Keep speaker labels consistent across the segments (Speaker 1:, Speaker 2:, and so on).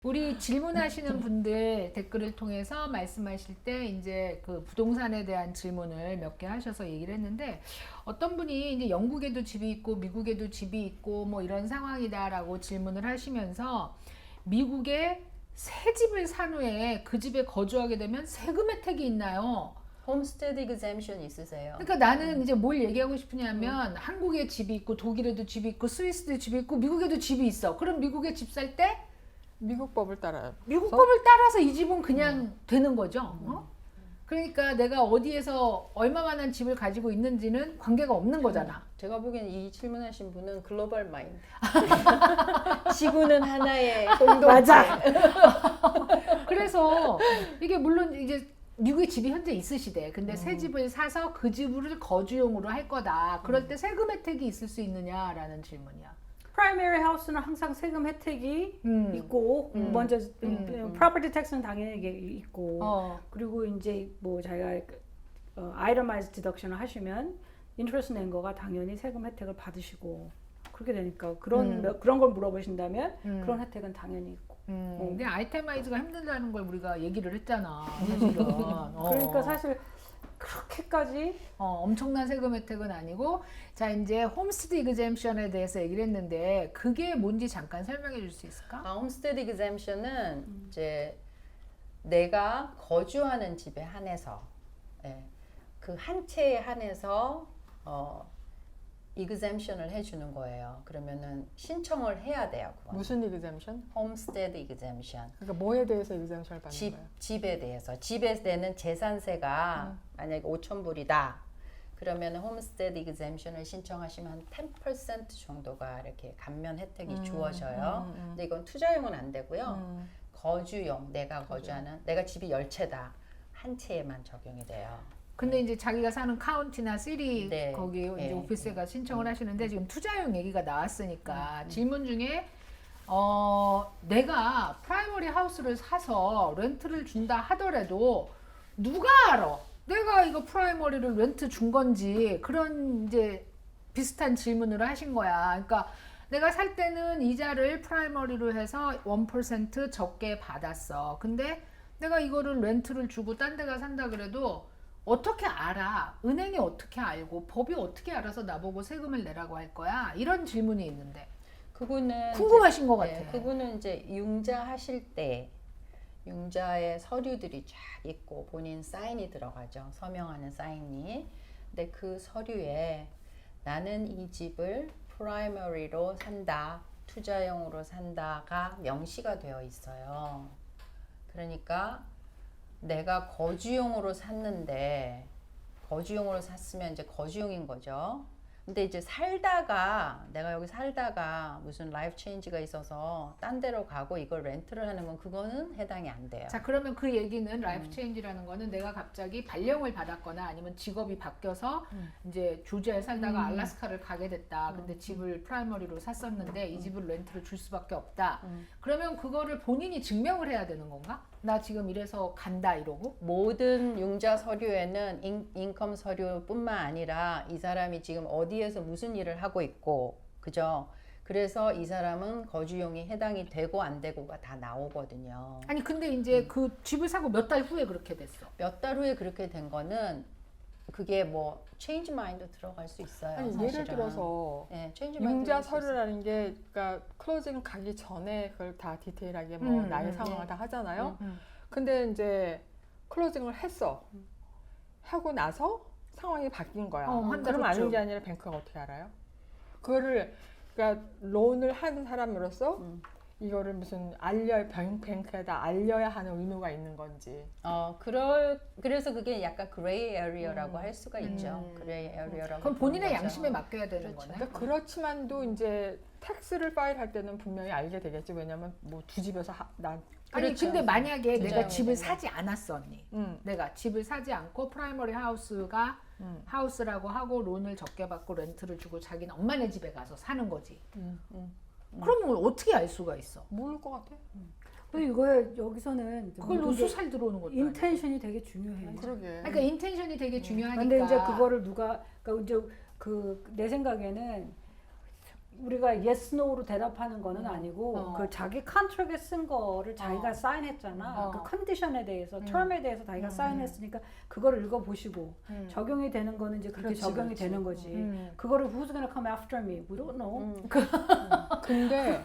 Speaker 1: 우리 질문하시는 분들 댓글을 통해서 말씀하실 때 이제 그 부동산에 대한 질문을 몇 개 하셔서 얘기를 했는데 어떤 분이 이제 영국에도 집이 있고 미국에도 집이 있고 뭐 이런 상황이다라고 질문을 하시면서 미국에 새 집을 산 후에 그 집에 거주하게 되면 세금 혜택이 있나요?
Speaker 2: 홈스테드 exemption 있으세요?
Speaker 1: 그러니까 나는 이제 뭘 얘기하고 싶으냐면 한국에 집이 있고 독일에도 집이 있고 스위스도 집이 있고 미국에도 집이 있어. 그럼 미국에 집 살 때
Speaker 3: 미국 법을 따라요.
Speaker 1: 미국 법을 따라서 이 집은 그냥 되는 거죠. 어? 그러니까 내가 어디에서 얼마만한 집을 가지고 있는지는 관계가 없는 거잖아.
Speaker 2: 제가 보기엔 이 질문하신 분은 글로벌 마인드. 지구는 하나의 공동체.
Speaker 1: 맞아. 그래서 이게 물론 이제 미국에 집이 현재 있으시대. 근데 새 집을 사서 그 집을 거주용으로 할 거다. 그럴 때 세금 혜택이 있을 수 있느냐라는 질문이야.
Speaker 4: 프라이머리 하우스는 항상 세금 혜택이 있고 먼저 프로퍼티 텍스는 당연히 이게 있고 그리고 이제 뭐 자기가 아이터마이즈 디덕션을 하시면 인트레스트 낸 거가 당연히 세금 혜택을 받으시고 그렇게 되니까 그런 걸 물어보신다면 그런 혜택은 당연히 있고.
Speaker 1: 근데 아이템아이즈가 힘들다는 걸 우리가 얘기를 했잖아. 사실은.
Speaker 4: 그러니까 사실 그렇게까지
Speaker 1: 엄청난 세금 혜택은 아니고 자 이제 홈스테드 이그젬션에 대해서 얘기를 했는데 그게 뭔지 잠깐 설명해 줄 수 있을까?
Speaker 2: 홈스테드 exemption은 이제 내가 거주하는 집에 한해서 그 한 채에 한해서 exemption을 해주는 거예요. 그러면은 신청을 해야 돼요. 그건.
Speaker 3: 무슨 exemption?
Speaker 2: 홈스테드 exemption.
Speaker 3: 그러니까 뭐에 대해서 exemption을 받는 거예요?
Speaker 2: 집에 대해서. 집에 내는 재산세가 만약에 5,000불이다. 그러면 홈스테드 exemption을 신청하시면 한 10% 정도가 이렇게 감면 혜택이 주어져요. 근데 이건 투자용은 안 되고요. 거주용, 내가 거주하는, 내가 집이 10채다. 한 채에만 적용이 돼요.
Speaker 1: 근데 이제 자기가 사는 카운티나 시리
Speaker 2: 네.
Speaker 1: 거기 이제
Speaker 2: 네.
Speaker 1: 오피스가 신청을 하시는데 지금 투자용 얘기가 나왔으니까 질문 중에 내가 프라이머리 하우스를 사서 렌트를 준다 하더라도 누가 알아? 내가 이거 프라이머리를 렌트 준 건지 그런 이제 비슷한 질문을 하신 거야. 그러니까 내가 살 때는 이자를 프라이머리로 해서 1% 적게 받았어. 근데 내가 이거를 렌트를 주고 딴 데가 산다 그래도 어떻게 알아? 은행이 어떻게 알고 법이 어떻게 알아서 나보고 세금을 내라고 할 거야? 이런 질문이 있는데
Speaker 2: 그분은
Speaker 1: 궁금하신
Speaker 2: 이제,
Speaker 1: 것 같아.
Speaker 2: 그분은 이제 융자 하실 때 융자의 서류들이 쫙 있고 본인 사인이 들어가죠. 서명하는 사인이. 근데 그 서류에 나는 이 집을 프라이머리로 산다, 투자용으로 산다가 명시가 되어 있어요. 그러니까 내가 거주용으로 샀는데 거주용으로 샀으면 이제 거주용인 거죠. 근데 이제 살다가 내가 여기 살다가 무슨 라이프 체인지가 있어서 딴 데로 가고 이걸 렌트를 하는 건 그거는 해당이 안 돼요.
Speaker 1: 자 그러면 그 얘기는 라이프 체인지라는 거는 내가 갑자기 발령을 받았거나 아니면 직업이 바뀌어서 이제 조지아에 살다가 알라스카를 가게 됐다. 근데 집을 프라이머리로 샀었는데 이 집을 렌트를 줄 수밖에 없다. 그러면 그거를 본인이 증명을 해야 되는 건가? 나 지금 이래서 간다 이러고?
Speaker 2: 모든 융자 서류에는 인컴 서류뿐만 아니라 이 사람이 지금 어디에서 무슨 일을 하고 있고, 그죠? 그래서 이 사람은 거주용이 해당이 되고 안 되고가 다 나오거든요.
Speaker 1: 아니 근데 이제 그 집을 사고 몇 달 후에 그렇게 됐어.
Speaker 2: 몇 달 후에 그렇게 된 거는 그게 뭐 체인지 마인드 들어갈 수 있어요.
Speaker 3: 아니
Speaker 2: 사실은.
Speaker 3: 예를 들어서
Speaker 2: 네, change mind
Speaker 3: 융자
Speaker 2: 들어갈 수 있어요.
Speaker 3: 서류라는 게 그러니까 클로징 가기 전에 그걸 다 디테일하게 뭐 나의 상황을 다 하잖아요. 근데 이제 클로징을 했어. 하고 나서 상황이 바뀐 거야.
Speaker 1: 한 달
Speaker 3: 그럼 아는
Speaker 1: 후쯤.
Speaker 3: 게 아니라 뱅크가 어떻게 알아요? 그거를 그러니까 론을 한 사람으로서 이거를 무슨 뱅크에다 알려야 하는 의무가 있는 건지.
Speaker 2: 그래서 그게 약간 그레이 에리어라고 할 수가 있죠. 그레이 에리어라고.
Speaker 1: 그럼 본인의
Speaker 2: 부르는 거죠.
Speaker 1: 양심에 맡겨야 되는
Speaker 2: 그렇죠.
Speaker 1: 거네.
Speaker 3: 그러니까 그렇지만도 이제 텍스를 파일할 때는 분명히 알게 되겠지. 왜냐면 뭐 두 집에서
Speaker 1: 아니
Speaker 2: 그렇죠.
Speaker 1: 근데 만약에 내가
Speaker 2: 투자용이
Speaker 1: 집을
Speaker 2: 된다.
Speaker 1: 사지 않았어 언니. 내가 집을 사지 않고 프라이머리 하우스가 하우스라고 하고 론을 적게 받고 렌트를 주고 자기는 엄마네 집에 가서 사는 거지. 그러면 어떻게 알 수가 있어?
Speaker 3: 모를 것 같아.
Speaker 4: 그리고 이거에 여기서는
Speaker 1: 그걸 노수살 들어오는 것도 아니고.
Speaker 4: 인텐션이 되게 중요해요.
Speaker 3: 그러게.
Speaker 1: 그러니까 인텐션이 되게 중요하니까.
Speaker 4: 근데 이제 그거를 누가 그러니까 이제 그 내 생각에는 우리가 yes, no로 대답하는 거는 아니고 그 자기 컨트랙에 쓴 거를 자기가 사인했잖아. 그 컨디션에 대해서, term에 대해서 자기가 사인했으니까 그거를 읽어보시고 적용이 되는 거는 이제 그렇게
Speaker 3: 그렇지,
Speaker 4: 적용이
Speaker 3: 그렇지.
Speaker 4: 되는 거지. 그거를 who's gonna come after me? We don't know.
Speaker 3: 근데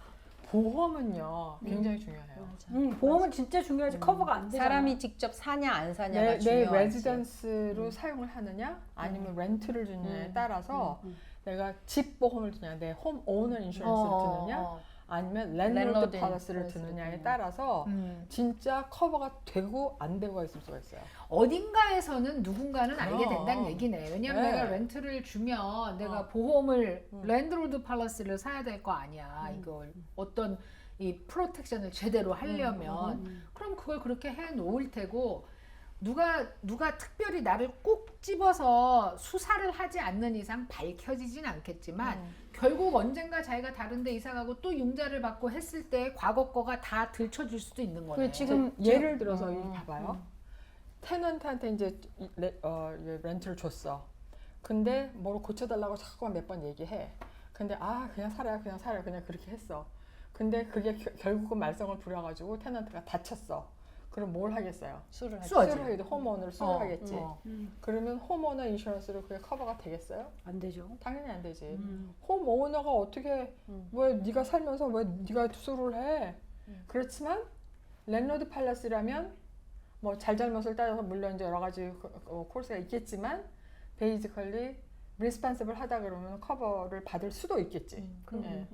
Speaker 3: 보험은요 굉장히 중요해요.
Speaker 4: 보험은 진짜 중요하지. 커버가 안 되잖아.
Speaker 2: 사람이 직접 사냐 안 사냐가
Speaker 3: 내
Speaker 2: 중요하지.
Speaker 3: 레지던스로 사용을 하느냐 아니면 렌트를 주느냐에 따라서 내가 집 보험을 드냐 내 홈 오너 인슈런스를 드느냐 아니면 랜로드 팔러스를 드느냐에 따라서 진짜 커버가 되고 안 되고가 있을 수가 있어요.
Speaker 1: 어딘가에서는 누군가는 알게
Speaker 3: 그럼.
Speaker 1: 된다는 얘기네. 왜냐면
Speaker 3: 네.
Speaker 1: 내가 렌트를 주면 내가 보험을 랜드로드 팔러스를 사야 될 거 아니야. 이걸 어떤 이 프로텍션을 제대로 하려면 그럼 그걸 그렇게 해 놓을 테고 누가 특별히 나를 꼭 집어서 수사를 하지 않는 이상 밝혀지진 않겠지만 결국 언젠가 자기가 다른 데 이사 가고 또 융자를 받고 했을 때 과거 거가 다 들춰질 수도 있는 거네.
Speaker 3: 지금 예를 들어서 이렇게 봐봐요. 테넌트한테 이제 렌트를 줬어. 근데 뭐로 고쳐달라고 자꾸만 몇 번 얘기해. 근데 그냥 살아요 그냥 그렇게 했어. 근데 그게 결국은 말썽을 부려가지고 테넌트가 다쳤어. 그럼 뭘 하겠어요?
Speaker 2: 수를 하지.
Speaker 1: 수하지.
Speaker 3: 수를 하겠지. 홈오너를 수를 하겠지.
Speaker 1: 어.
Speaker 3: 그러면 홈오너 인슈런스로 그게 커버가 되겠어요?
Speaker 4: 안 되죠.
Speaker 3: 당연히 안 되지. 홈오너가 어떻게 왜 네가 살면서 왜 네가 수를 해? 그렇지만 랜로드 팔러스라면 뭐 잘잘못을 따져서 물론 이제 여러 가지 코스가 있겠지만 베이지컬리 리스판시블 하다 그러면 커버를 받을 수도 있겠지. 예.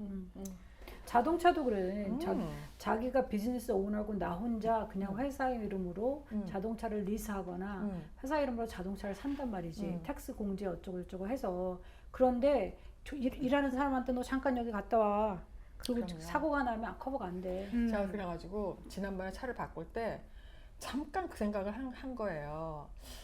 Speaker 4: 자동차도 그래. 자기가 비즈니스 오너고 나 혼자 그냥 회사 이름으로 자동차를 리스하거나 회사 이름으로 자동차를 산단 말이지. 텍스 공제 어쩌고 저쩌고 해서. 그런데 일하는 사람한테 너 잠깐 여기 갔다 와. 그리고
Speaker 3: 그럼요.
Speaker 4: 사고가 나면 커버가 안 돼.
Speaker 3: 제가 그래가지고 지난번에 차를 바꿀 때 잠깐 그 생각을 한 거예요.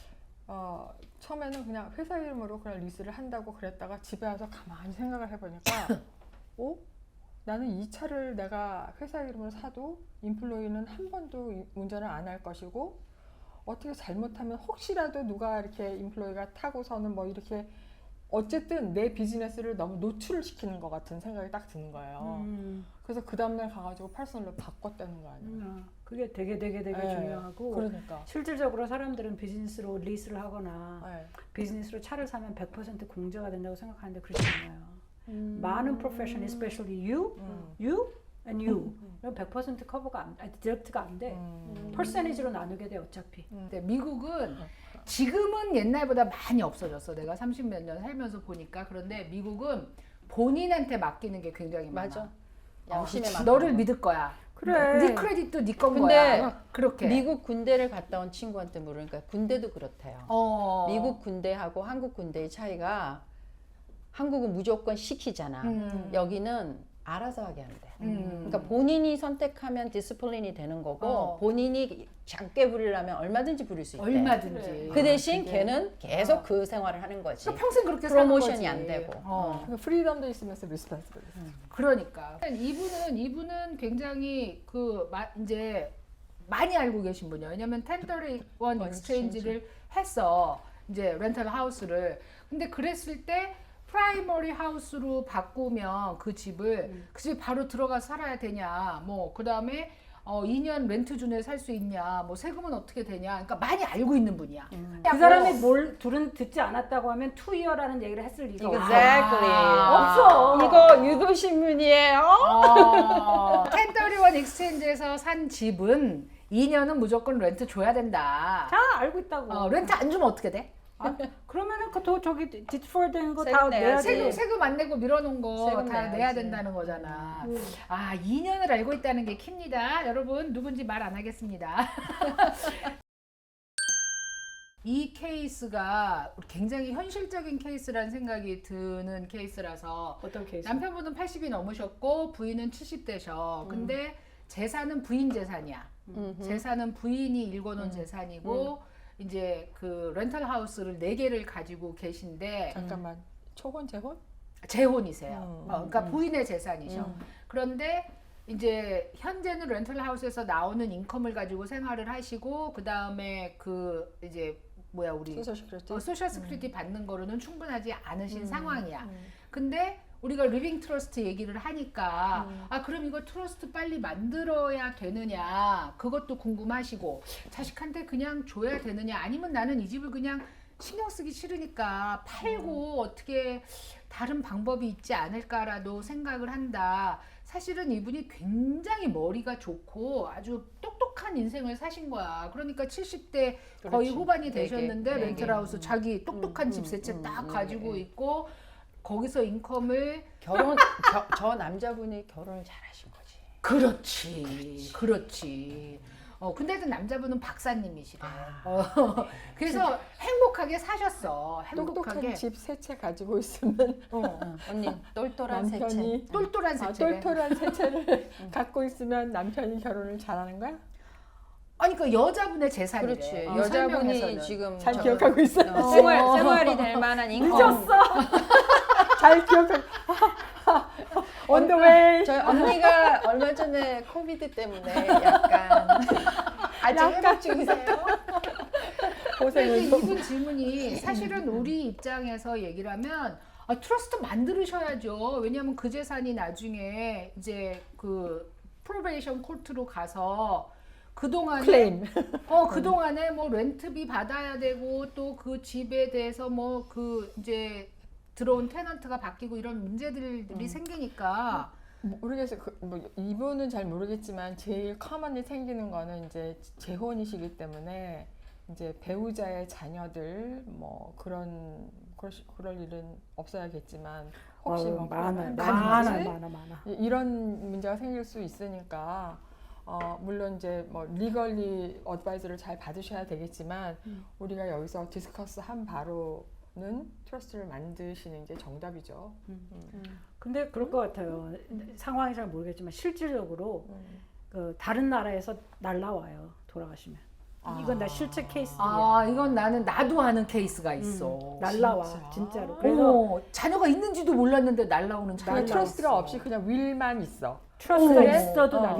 Speaker 3: 처음에는 그냥 회사 이름으로 그냥 리스를 한다고 그랬다가 집에 와서 가만히 생각을 해보니까 나는 이 차를 내가 회사 이름으로 사도 인플로이는 한 번도 운전을 안 할 것이고 어떻게 잘못하면 혹시라도 누가 이렇게 인플로이가 타고서는 뭐 이렇게 어쨌든 내 비즈니스를 너무 노출을 시키는 것 같은 생각이 딱 드는 거예요. 그래서 그 다음날 가가지고 퍼스널로 바꿨다는 거 아니에요.
Speaker 4: 그게 되게 중요하고
Speaker 3: 그러니까.
Speaker 4: 실질적으로 사람들은 비즈니스로 리스를 하거나
Speaker 3: 네.
Speaker 4: 비즈니스로 차를 사면 100% 공제가 된다고 생각하는데 그렇지 않아요. 많은 프로페션, especially you and you 이런 100% 커버가 디렉트가 안 돼. 퍼센티지로 나누게 돼 어차피.
Speaker 1: 근데 미국은 지금은 옛날보다 많이 없어졌어. 내가 30몇 년 살면서 보니까. 그런데 미국은 본인한테 맡기는 게 굉장히 많아.
Speaker 2: 맞아. 양심에 맡기는
Speaker 1: 너를
Speaker 2: 거.
Speaker 1: 믿을 거야.
Speaker 4: 그래.
Speaker 1: 네 크레딧도 네 건
Speaker 2: 근데
Speaker 1: 거야. 그렇게.
Speaker 2: 미국 군대를 갔다 온 친구한테 물으니까 군대도 그렇대요. 미국 군대하고 한국 군대의 차이가 한국은 무조건 시키잖아. 여기는 알아서 하게 한대. 그러니까 본인이 선택하면 디스플린이 되는 거고 본인이 작게 부리려면 얼마든지 부릴 수 있대.
Speaker 1: 얼마든지.
Speaker 2: 그 대신 걔는 계속 그 생활을 하는 거지.
Speaker 1: 그러니까 평생 그렇게 사는 거지.
Speaker 2: 프로모션이 안 되고.
Speaker 3: 그러니까 프리덤도 있으면서 리스폰스블.
Speaker 1: 그러니까 이분은 굉장히 이제 많이 알고 계신 분이에요. 왜냐면 1031 익스체인지를 했어. 이제 렌탈 하우스를. 근데 그랬을 때 프라이머리 하우스로 바꾸면 그 집을 그 집에 바로 들어가 살아야 되냐. 뭐 그다음에 2년 렌트 준에 살 수 있냐. 뭐 세금은 어떻게 되냐. 그러니까 많이 알고 있는 분이야.
Speaker 4: 그 사람이 둘은 듣지 않았다고 하면 2year라는 얘기를 했을 리가 없어.
Speaker 2: Exactly.
Speaker 4: 없어.
Speaker 2: 이거 유도신문이에요.
Speaker 1: 1031 익스체인지에서 산 집은 2년은 무조건 렌트 줘야 된다.
Speaker 4: 다 알고 있다고.
Speaker 1: 렌트 안 주면 어떻게 돼?
Speaker 4: 그러면은 저기 디스폴드인 거 다
Speaker 2: 세금
Speaker 4: 내야
Speaker 2: 내야지.
Speaker 4: 돼.
Speaker 1: 세금 안 내고 밀어놓은 거
Speaker 2: 세금
Speaker 1: 다
Speaker 2: 내야지.
Speaker 1: 내야 된다는 거잖아. 2년을 알고 있다는 게 킵니다. 여러분 누군지 말 안 하겠습니다. 이 케이스가 굉장히 현실적인 케이스라는 생각이 드는 케이스라서
Speaker 4: 어떤 케이스?
Speaker 1: 남편분은 80이 넘으셨고 부인은 70대셔. 근데 재산은 부인 재산이야. 재산은 부인이 일궈놓은 재산이고 이제 그 렌탈 하우스를 4개를 가지고 계신데
Speaker 3: 잠깐만. 초혼 재혼?
Speaker 1: 재혼이세요. 그러니까 부인의 재산이셔. 그런데 이제 현재는 렌탈 하우스에서 나오는 인컴을 가지고 생활을 하시고 그 다음에 그 이제 우리
Speaker 3: 소셜 시큐리티.
Speaker 1: 소셜 스크리티 받는 거로는 충분하지 않으신 상황이야. 근데 우리가 리빙 트러스트 얘기를 하니까 아 그럼 이거 트러스트 빨리 만들어야 되느냐 그것도 궁금하시고 자식한테 그냥 줘야 되느냐 아니면 나는 이 집을 그냥 신경 쓰기 싫으니까 팔고 어떻게 다른 방법이 있지 않을까라도 생각을 한다. 사실은 이분이 굉장히 머리가 좋고 아주 똑똑한 인생을 사신 거야. 그러니까 70대 거의
Speaker 2: 그렇지.
Speaker 1: 후반이
Speaker 2: 되게,
Speaker 1: 되셨는데
Speaker 2: 되게.
Speaker 1: 렌트하우스 자기 똑똑한 집 세 채 딱 가지고 있고 거기서 인컴을
Speaker 2: 저 남자분이 결혼을 잘하신 거지.
Speaker 1: 그렇지. 근데도 남자분은 박사님이시래.
Speaker 2: 아,
Speaker 1: 그래서 행복하게 사셨어.
Speaker 3: 똑똑한
Speaker 1: 행복하게.
Speaker 3: 집 세 채 가지고 있으면
Speaker 2: 언니 똘똘한 세체.
Speaker 3: 남편이
Speaker 1: 똘똘한 세체래.
Speaker 3: 똘똘한 세 채를 갖고 있으면 남편이 결혼을 잘하는 거야?
Speaker 1: 아니 그 여자분의 재산이래.
Speaker 2: 그렇지.
Speaker 1: 어,
Speaker 2: 여자분이
Speaker 1: 설명에서는.
Speaker 2: 지금
Speaker 3: 잘 기억하고 있어요.
Speaker 2: 생활이 될 만한 인컴.
Speaker 4: 늦었어.
Speaker 3: 잘 기억하고. On the way.
Speaker 2: 저희 언니가 얼마 전에 코비드 때문에 약간 아직 회복 중이세요?
Speaker 3: 고생을
Speaker 1: 근데 이분 질문이 사실은 우리 입장에서 얘기를 하면 트러스트 만들으셔야죠. 왜냐하면 그 재산이 나중에 이제 그 프로베이션 코트로 가서 그동안에
Speaker 3: 클레임.
Speaker 1: 그동안에 뭐 렌트비 받아야 되고 또 그 집에 대해서 뭐 그 이제 들어온 테넌트가 바뀌고 이런 문제들이 생기니까
Speaker 3: 모르겠어요. 뭐 이분은 잘 모르겠지만 제일 커먼이 생기는 거는 이제 재혼이시기 때문에 이제 배우자의 자녀들 뭐 그럴 일은 없어야겠지만 혹시 뭐
Speaker 4: 많아.
Speaker 3: 이런 문제가 생길 수 있으니까 물론 이제 뭐 리걸리 어드바이저를 잘 받으셔야 되겠지만 우리가 여기서 디스커스 한 바로는 트러스트를 만드시는 게 정답이죠.
Speaker 4: 근데 그럴 것 같아요. 상황이 잘 모르겠지만 실질적으로 그 다른 나라에서 날라와요. 돌아가시면. 이건 나 실제 케이스야.
Speaker 1: 이건 나도 아는 케이스가 있어.
Speaker 4: 날라와
Speaker 3: 진짜?
Speaker 4: 진짜로. 그래서
Speaker 1: 자녀가 있는지도 몰랐는데 날라오는 자녀가
Speaker 3: 그냥 트러스트가
Speaker 1: 있어.
Speaker 3: 없이 그냥 윌만 있어.
Speaker 4: 트러스트가
Speaker 1: 어,
Speaker 4: 있어도 날라와.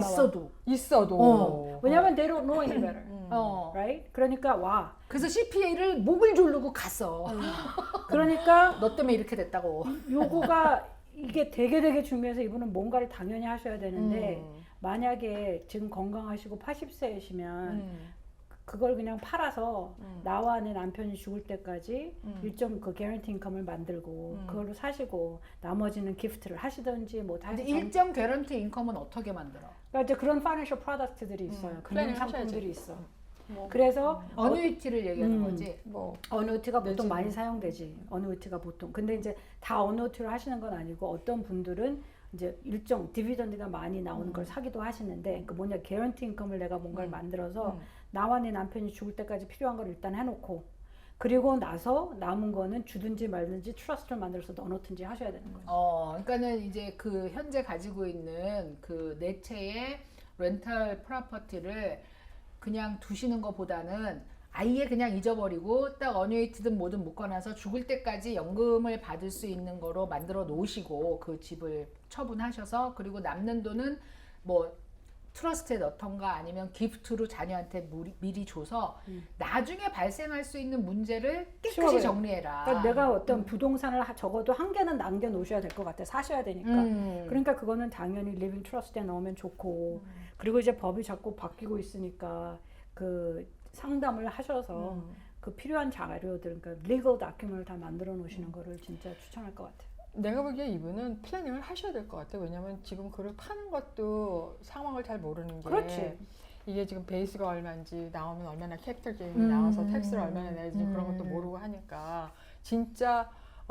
Speaker 3: 있어도.
Speaker 4: 왜냐면 they don't know any better. right? 그러니까 와.
Speaker 1: 그래서 CPA를 목을 조르고 갔어.
Speaker 4: 그러니까
Speaker 1: 너 때문에 이렇게 됐다고.
Speaker 4: 요거가 이게 되게 중요해서 이분은 뭔가를 당연히 하셔야 되는데 만약에 지금 건강하시고 80세이시면 그걸 그냥 팔아서 나와 내 남편이 죽을 때까지 일정 그 개런티 인컴을 만들고 그걸로 사시고 나머지는 기프트를 하시든지 뭐
Speaker 1: 근데
Speaker 4: 다시
Speaker 1: 일정 개런티 인컴은 어떻게 만들어?
Speaker 4: 그러니까 이제 그런 파이낸셜 프로덕트들이 있어요. 금융
Speaker 3: 플래닝
Speaker 4: 상품들이
Speaker 3: 하셔야지.
Speaker 4: 있어. 그래서
Speaker 1: 어뉴이티를 얘기하는 거지.
Speaker 3: 뭐
Speaker 4: 어뉴이티가 보통
Speaker 3: 내지는.
Speaker 4: 많이 사용되지. 어뉴이티가 보통. 근데 이제 다 어뉴이티로 하시는 건 아니고 어떤 분들은 이제 일정 디비던드가 많이 나오는 걸 사기도 하시는데 그 뭐냐 개런티 인컴을 내가 뭔가를 만들어서 나와 내 남편이 죽을 때까지 필요한 걸 일단 해놓고 그리고 나서 남은 거는 주든지 말든지 트러스트를 만들어서 넣어놓든지 하셔야 되는 거예요.
Speaker 1: 그러니까는 이제 그 현재 가지고 있는 그 네 채의 렌탈 프로퍼티를 그냥 두시는 것보다는 아예 그냥 잊어버리고 딱 어뉴이티든 뭐든 묶어놔서 죽을 때까지 연금을 받을 수 있는 거로 만들어 놓으시고 그 집을 처분하셔서 그리고 남는 돈은 뭐 트러스트에 넣던가 아니면 기프트로 자녀한테 미리 줘서 나중에 발생할 수 있는 문제를 깨끗이
Speaker 4: 쉬워요.
Speaker 1: 정리해라.
Speaker 4: 그러니까 내가 어떤 부동산을 적어도 한 개는 남겨 놓으셔야 될 것 같아. 사셔야 되니까. 그러니까 그거는 당연히 리빙 트러스트에 넣으면 좋고 그리고 이제 법이 자꾸 바뀌고 있으니까 그 상담을 하셔서 그 필요한 자료들 그러니까 리걸 다큐멘트를 다 만들어 놓으시는 거를 진짜 추천할 것 같아요.
Speaker 3: 내가 보기에 이분은 플래닝을 하셔야 될 것 같아. 왜냐면 지금 그걸 파는 것도 상황을 잘 모르는 게
Speaker 4: 그렇지.
Speaker 3: 이게 지금 베이스가 얼마인지 나오면 얼마나 캐피털 게인이 나와서 텍스를 얼마나 내야지 그런 것도 모르고 하니까 진짜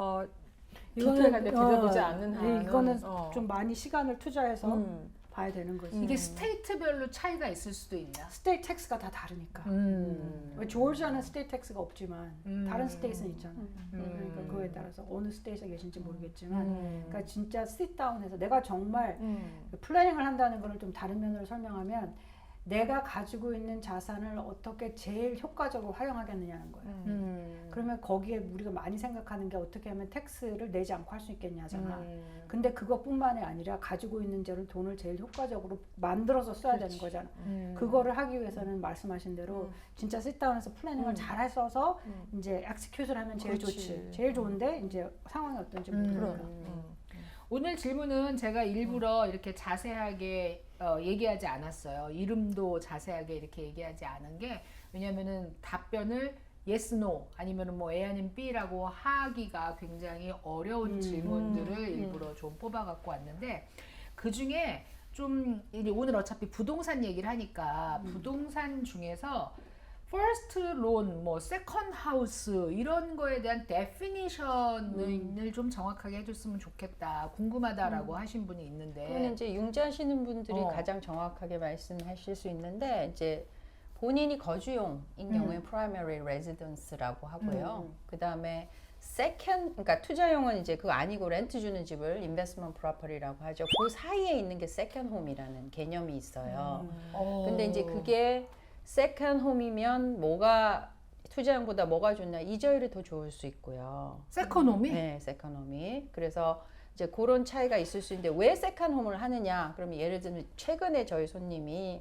Speaker 3: 디테일하게 들여보지 않는 한은
Speaker 4: 이거는 좀 많이 시간을 투자해서 봐야 되는 거지.
Speaker 1: 이게 스테이트별로 차이가 있을 수도 있나?
Speaker 4: 스테이트 텍스가 다 다르니까. 조지아는 스테이트 텍스가 없지만 다른 스테이트는 있잖아. 그러니까 그거에 따라서 어느 스테이트에 계신지 모르겠지만, 그러니까 진짜 sit-down해서 내가 정말 플래닝을 한다는 거를 좀 다른 면으로 설명하면 내가 가지고 있는 자산을 어떻게 제일 효과적으로 활용하겠느냐는 거예요. 그러면 거기에 우리가 많이 생각하는 게 어떻게 하면 텍스를 내지 않고 할 수 있겠냐잖아. 근데 그것뿐만이 아니라 가지고 있는 돈을 제일 효과적으로 만들어서 써야 되는 거잖아. 그거를 하기 위해서는 말씀하신 대로 진짜 sit-down해서 플래닝을 잘 해서 이제 execute를 하면 제일 좋지. 제일 좋은데 이제 상황이 어떤지 모르니까.
Speaker 1: 오늘 질문은 제가 일부러 이렇게 자세하게 얘기하지 않았어요. 이름도 자세하게 이렇게 얘기하지 않은 게 왜냐면은 답변을 yes, no 아니면은 뭐 A 아니면 B라고 하기가 굉장히 어려운 질문들을 일부러 좀 뽑아갖고 왔는데 그 중에 좀 이제 오늘 어차피 부동산 얘기를 하니까 부동산 중에서 first loan, 뭐 second house 이런 거에 대한 definition을 좀 정확하게 해줬으면 좋겠다. 궁금하다라고 하신 분이 있는데.
Speaker 2: 그건 이제 융자하시는 분들이
Speaker 1: 어.
Speaker 2: 가장 정확하게 말씀하실 수 있는데 이제 본인이 거주용인 경우에 primary residence라고 하고요. 그 다음에 second, 그러니까 투자용은 이제 그거 아니고 렌트 주는 집을 investment property라고 하죠. 그 사이에 있는 게 second home이라는 개념이 있어요. 근데 이제 그게 세컨 홈이면 뭐가 투자용보다 뭐가 좋냐 이자율이 더 좋을 수 있고요.
Speaker 1: 세컨 홈이?
Speaker 2: 네, 세컨 홈이. 그래서 이제 그런 차이가 있을 수 있는데 왜 세컨 홈을 하느냐? 그러면 예를 들면 최근에 저희 손님이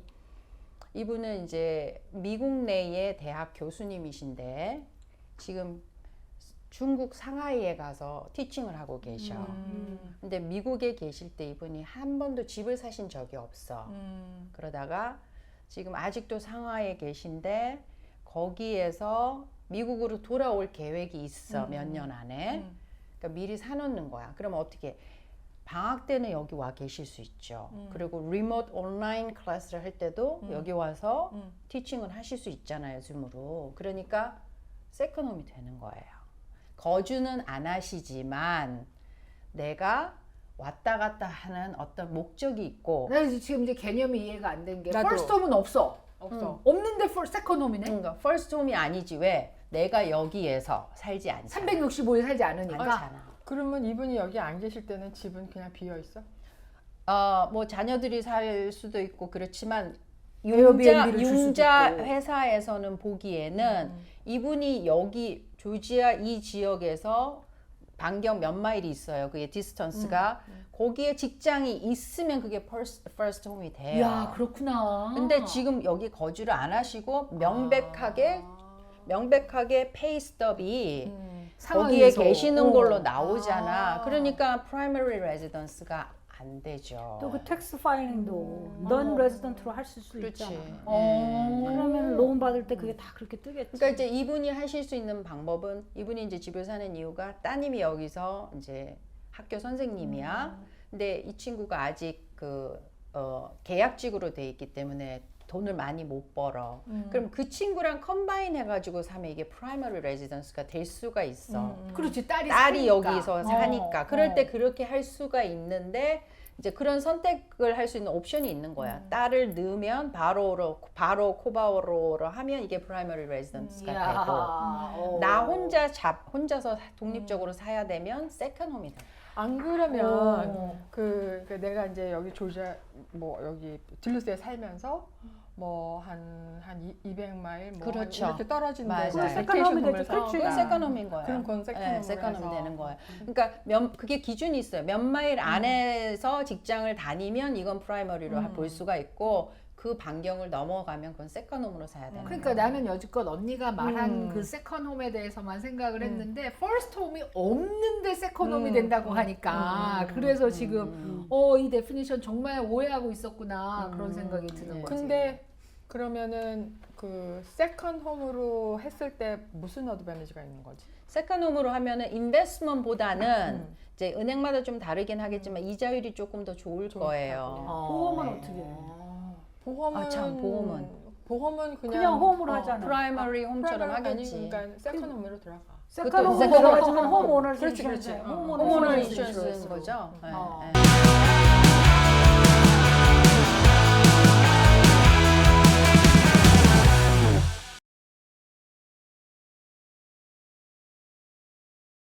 Speaker 2: 이분은 이제 미국 내의 대학 교수님이신데 지금 중국 상하이에 가서 티칭을 하고 계셔. 근데 미국에 계실 때 이분이 한 번도 집을 사신 적이 없어. 그러다가 지금 아직도 상하이에 계신데 거기에서 미국으로 돌아올 계획이 있어. 몇 년 안에. 그러니까 미리 사놓는 거야. 그러면 어떻게 방학 때는 여기 와 계실 수 있죠. 그리고 리모트 온라인 클래스를 할 때도 여기 와서 티칭을 하실 수 있잖아요. 줌으로. 그러니까 세컨홈이 되는 거예요. 거주는 안 하시지만 내가 왔다 갔다 하는 어떤 목적이 있고.
Speaker 1: 나 지금 이제 개념이 이해가 안 된 게
Speaker 3: 나도.
Speaker 1: first home은 없어. 없는데 second home이네.
Speaker 2: 그러니까 first home이 아니지. 왜? 내가 여기에서 살지 않잖아.
Speaker 1: 365일 살지 않으니까.
Speaker 2: 않잖아.
Speaker 3: 그러면 이분이 여기 안 계실 때는 집은 그냥 비어 있어?
Speaker 2: 뭐 자녀들이 살 수도 있고 그렇지만
Speaker 1: 에어비앤비를 줄 수도
Speaker 2: 융자
Speaker 1: 있고.
Speaker 2: 회사에서는 보기에는 이분이 여기 조지아 이 지역에서 반경 몇 마일이 있어요. 그게 디스턴스가 거기에 직장이 있으면 그게 first home이 돼요.
Speaker 1: 이야, 그렇구나.
Speaker 2: 근데 지금 여기 거주를 안 하시고 명백하게 페이 스톱이 거기에
Speaker 1: 상황에서.
Speaker 2: 계시는 걸로 나오잖아. 그러니까 primary residence가 안 되죠.
Speaker 4: 또 그 텍스 파일링도 넌 레지던트로 하실 수
Speaker 2: 그렇지.
Speaker 4: 있잖아.
Speaker 2: 네.
Speaker 4: 그러면 로운 받을 때 그게 다 그렇게 뜨겠지.
Speaker 2: 그러니까 이제 이분이 하실 수 있는 방법은 이분이 이제 집을 사는 이유가 따님이 여기서 이제 학교 선생님이야. 근데 이 친구가 아직 계약직으로 돼 있기 때문에 돈을 많이 못 벌어. 그럼 그 친구랑 컴바인 해가지고 사면 이게 프라이머리 레지던스가 될 수가 있어.
Speaker 1: 그렇지, 딸이
Speaker 2: 딸이
Speaker 1: 사니까.
Speaker 2: 여기서 사니까. 그럴 때 그렇게 할 수가 있는데 이제 그런 선택을 할 수 있는 옵션이 있는 거야. 딸을 넣으면 바로 코바오로 하면 이게 프라이머리 레지던스가 되고 나 혼자서 독립적으로 사야 되면 세컨 홈이다.
Speaker 3: 안 그러면 그 내가 이제 여기 조지아 뭐 여기 딜루스에 살면서 뭐 한 200마일 뭐
Speaker 2: 그렇죠.
Speaker 3: 이렇게 떨어진
Speaker 2: 맞아요.
Speaker 3: 데서
Speaker 2: 그건
Speaker 4: 세컨홈이 되죠.
Speaker 3: 베이케이션
Speaker 4: 그렇지.
Speaker 2: 그건 세컨홈인 거예요.
Speaker 3: 그럼 그건 세컨홈으로
Speaker 2: 세컨홈이
Speaker 3: 해서.
Speaker 2: 되는 거예요. 그러니까 그게 기준이 있어요. 몇 마일 안에서 직장을 다니면 이건 프라이머리로 볼 수가 있고 그 반경을 넘어가면 그건 세컨홈으로 사야 되는
Speaker 1: 그러니까
Speaker 2: 거예요.
Speaker 1: 나는 여지껏 언니가 말한 그 세컨 홈에 대해서만 생각을 했는데 퍼스트 홈이 없는데 세컨 홈이 된다고 하니까 그래서 지금 이 데피니션 정말 오해하고 있었구나 그런 생각이 드는 거지.
Speaker 3: 근데 그러면은 그 세컨 홈으로 했을 때 무슨 어드밴티지가 있는 거지?
Speaker 2: 세컨홈으로 하면은 인베스트먼트보다는 이제 은행마다 좀 다르긴 하겠지만 이자율이 조금 더 좋을 거예요.
Speaker 4: 보험은 어떻게 해?
Speaker 3: 보험은 보험은
Speaker 4: 그냥 홈으로 하잖아.
Speaker 2: 프라이머리 홈처럼
Speaker 3: 프라이머리
Speaker 2: 하겠지.
Speaker 3: 그러니까 세컨 홈으로 들어가.
Speaker 4: 세컨 홈으로
Speaker 2: 세컨
Speaker 4: 들어가지만 홈 오너스
Speaker 3: 그렇지,
Speaker 4: 인슈런스.
Speaker 3: 그렇지.
Speaker 4: 홈
Speaker 2: 홈오너
Speaker 4: 오너스
Speaker 2: 인슈런스인
Speaker 4: 인슈런스.
Speaker 2: 거죠. 네,
Speaker 1: 어.
Speaker 2: 네.